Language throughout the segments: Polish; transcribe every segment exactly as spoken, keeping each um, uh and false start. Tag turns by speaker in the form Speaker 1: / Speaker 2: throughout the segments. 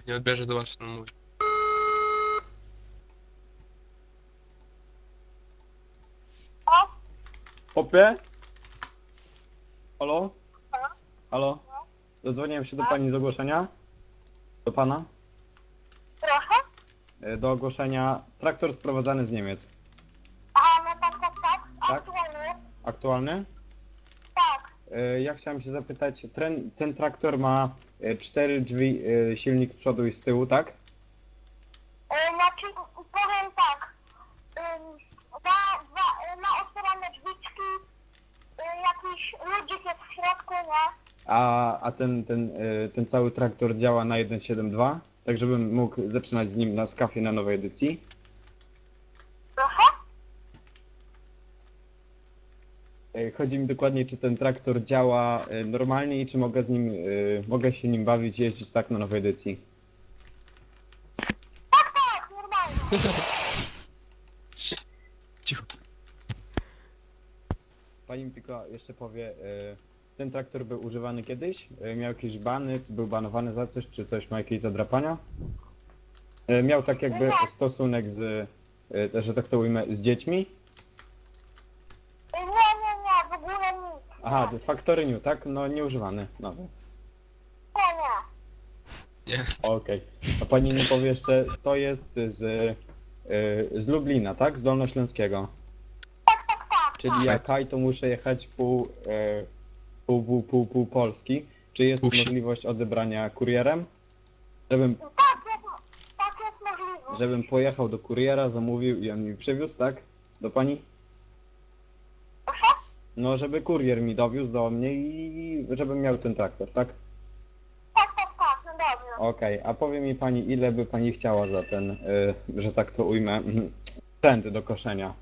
Speaker 1: nie odbierze, zobacz co on mówi.
Speaker 2: Popie? Halo? Halo? Dodzwoniłem się do pani z ogłoszenia. Do pana.
Speaker 3: Proszę?
Speaker 2: E, Do ogłoszenia traktor sprowadzany z Niemiec.
Speaker 3: A, no tak, tak, tak.
Speaker 2: Tak?
Speaker 3: Aktualnie?
Speaker 2: Aktualny?
Speaker 3: Tak.
Speaker 2: E, Ja chciałem się zapytać, ten, ten traktor ma e, cztery drzwi, e, silnik z przodu i z tyłu, tak?
Speaker 3: E, znaczy, powiem tak. Ym, ma, ma, ma otwierane drzwiczki, y, jakiś ludzik jest w środku, nie?
Speaker 2: A, a ten, ten, e, ten cały traktor działa na jeden siedem dwa, tak żebym mógł zaczynać z nim na skafie na nowej edycji.
Speaker 3: Proszę?
Speaker 2: E, Chodzi mi dokładnie, czy ten traktor działa e, normalnie i czy mogę z nim, e, mogę się nim bawić, jeździć tak na nowej edycji.
Speaker 3: Tak, tak, normalnie.
Speaker 1: Cicho.
Speaker 2: Pani mi tylko jeszcze powie, e, ten traktor był używany kiedyś? E, Miał jakieś bany, czy był banowany za coś, czy coś ma jakieś zadrapania? E, Miał tak jakby stosunek z, e, też, że tak to ujmę, z dziećmi?
Speaker 3: Y, Nie, nie, nie, w ogóle nic.
Speaker 2: Aha, Factory New, tak? No nieużywany, nowy.
Speaker 3: Nie, nie.
Speaker 1: Nie.
Speaker 2: Okej. A pani mi powie jeszcze, to jest z, e, z Lublina, tak? Z Dolnośląskiego.
Speaker 3: Tak, tak, tak.
Speaker 2: Czyli jak kaj, to muszę jechać pół, e, pół, pół, pół, pół Polski. Czy jest
Speaker 1: Pół si-
Speaker 2: możliwość odebrania kurierem? Żebym,
Speaker 3: Tak jest, tak jest możliwe.
Speaker 2: żebym pojechał do kuriera, zamówił i on mi przywiózł, tak? Do pani?
Speaker 3: Proszę?
Speaker 2: No, żeby kurier mi dowiózł do mnie i żebym miał ten traktor, tak?
Speaker 3: Tak, tak, tak, no dobrze.
Speaker 2: Okej, a powie mi pani, ile by pani chciała za ten, y, że tak to ujmę, sprzęt do koszenia?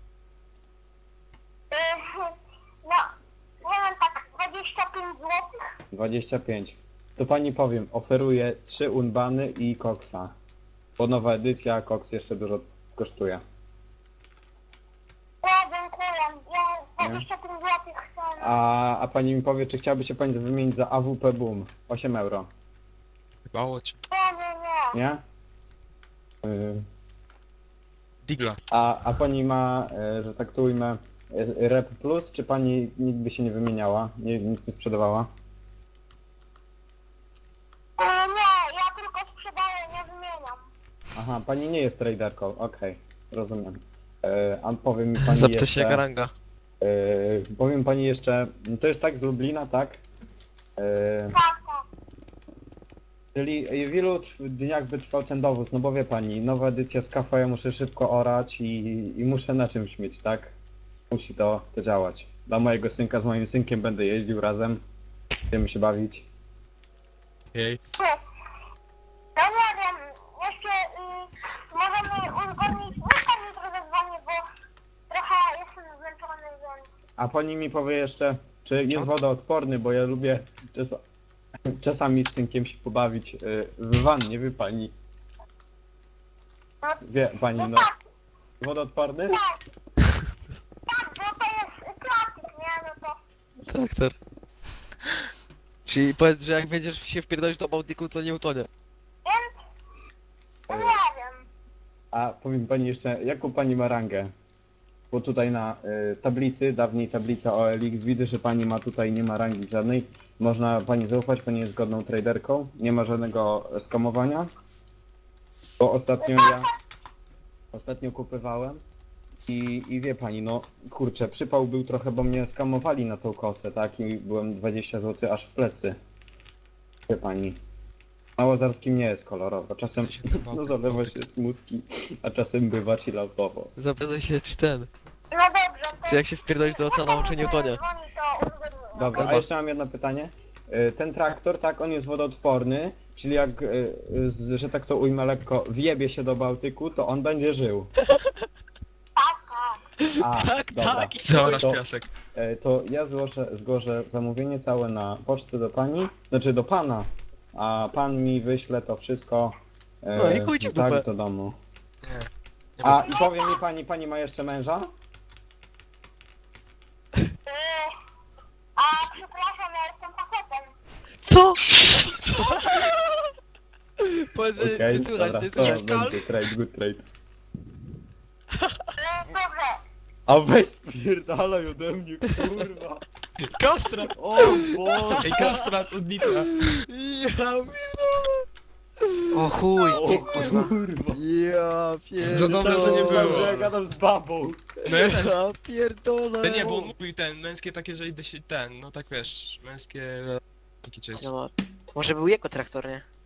Speaker 3: Y, no, nie wiem, tak dwadzieścia pięć złotych.
Speaker 2: dwadzieścia pięć. To pani powiem, oferuję trzy unbany i koksa. Bo nowa edycja, a koks jeszcze dużo kosztuje.
Speaker 3: Nie, dziękuję. Ja dwadzieścia pięć złotych chcę.
Speaker 2: A, a pani mi powie, czy chciałaby się pani wymienić za A W P Boom? osiem euro,
Speaker 1: Bało cię.
Speaker 3: Nie, nie, nie.
Speaker 2: nie? Y,
Speaker 1: Digla.
Speaker 2: A, a pani ma, y, że tak to ujmę, y, Rep Plus, czy pani nigdy się nie wymieniała? Nie, nic nie sprzedawała?
Speaker 3: Y, nie, ja tylko sprzedaję, nie wymieniam.
Speaker 2: Aha, pani nie jest traderką, okej, rozumiem. Y, a powie mi pani
Speaker 1: Zapytaj się
Speaker 2: jeszcze...
Speaker 1: Garanga.
Speaker 2: y, powiem pani jeszcze, to jest tak z Lublina, tak? Y,
Speaker 3: Tak, tak.
Speaker 2: Czyli w ilu trw- dniach by trwał ten dowóz? No bo wie pani, nowa edycja z kafa, ja muszę szybko orać i, i muszę na czymś mieć, tak? Musi to, to działać. Dla mojego synka, z moim synkiem będę jeździł razem, będziemy się bawić.
Speaker 1: Jej.
Speaker 3: Ty. No nie wiem, jeszcze y, możemy uzgodnić, niech pan mi trochę dzwoni, bo trochę jestem zmęczony, więc...
Speaker 2: A pani mi powie jeszcze, czy jest wodoodporny, bo ja lubię często, czasami z synkiem się pobawić y, w wannie, wie pani. Wie pani, no. Wodoodporny?
Speaker 3: Tak, tak, bo to jest plastik, nie? No to...
Speaker 1: Traktor. Czyli powiedz, że jak będziesz się wpierdolić do Bałtyku, to nie utonie.
Speaker 3: Więc... No nie wiem.
Speaker 2: A powiem pani jeszcze, jaką pani ma rangę? Bo tutaj na y, tablicy, dawniej tablica O L X, widzę, że pani ma tutaj, nie ma rangi żadnej. Można pani zaufać, pani jest godną traderką, nie ma żadnego skamowania. Bo ostatnio ja, ostatnio kupywałem i, i wie pani, no kurczę, przypał był trochę, bo mnie skamowali na tą kosę, tak? I byłem dwadzieścia złotych aż w plecy. Wie pani. Na Łazarskim nie jest kolorowo, czasem no zalewa się smutki, a czasem bywa chilloutowo.
Speaker 1: Zapytaj się, czy ten.
Speaker 3: No dobrze, to...
Speaker 1: Czy jak się wpierdolić do oceanu, czy nie utonie.
Speaker 3: Dzwoni, to uzgodnimy.
Speaker 2: Dobra, a jeszcze mam jedno pytanie. Y, Ten traktor, tak, on jest wodoodporny, czyli jak, y, z- że tak to ujmę lekko, wjebie się do Bałtyku, to on będzie żył.
Speaker 3: Tak, tak.
Speaker 2: A,
Speaker 1: Tak,
Speaker 2: dobra.
Speaker 1: tak.
Speaker 2: To,
Speaker 1: Zaorasz piasek.
Speaker 2: y, to ja złożę, zgłoszę zamówienie całe na pocztę do pani, znaczy do pana, a pan mi wyśle to wszystko y,
Speaker 1: No i chuj ci w dupę.
Speaker 2: tak do domu.
Speaker 1: Nie. Nie
Speaker 2: A i powie mi pani, pani ma jeszcze męża?
Speaker 3: Y, a przepraszam, ja jestem facetem.
Speaker 1: Co? że
Speaker 2: Okej,
Speaker 1: nie słychać,
Speaker 2: dobra,
Speaker 1: nie
Speaker 2: to
Speaker 1: słychać.
Speaker 2: będzie trade, good trade.
Speaker 3: Y, dobrze.
Speaker 2: A weź spierdalaj ode mnie, kurwa.
Speaker 4: Kastrat!
Speaker 2: O Boże.
Speaker 4: Ej, kastrat od Nitra.
Speaker 1: Ja pierdolę.
Speaker 5: O chuj,
Speaker 2: O
Speaker 5: ty kurwa.
Speaker 2: kurwa.
Speaker 1: Ja pierdolę.
Speaker 4: Za dobrze,
Speaker 2: Cały
Speaker 4: że nie
Speaker 2: czas myślałem,
Speaker 4: było.
Speaker 2: że ja gadam z babą.
Speaker 4: No ja ten,
Speaker 1: Ja pierdolę.
Speaker 4: ale nie, bo on mówił ten, męskie takie, że idę się ten, no tak wiesz, męskie... Taki cześć.
Speaker 5: No, to może był jego traktor, nie?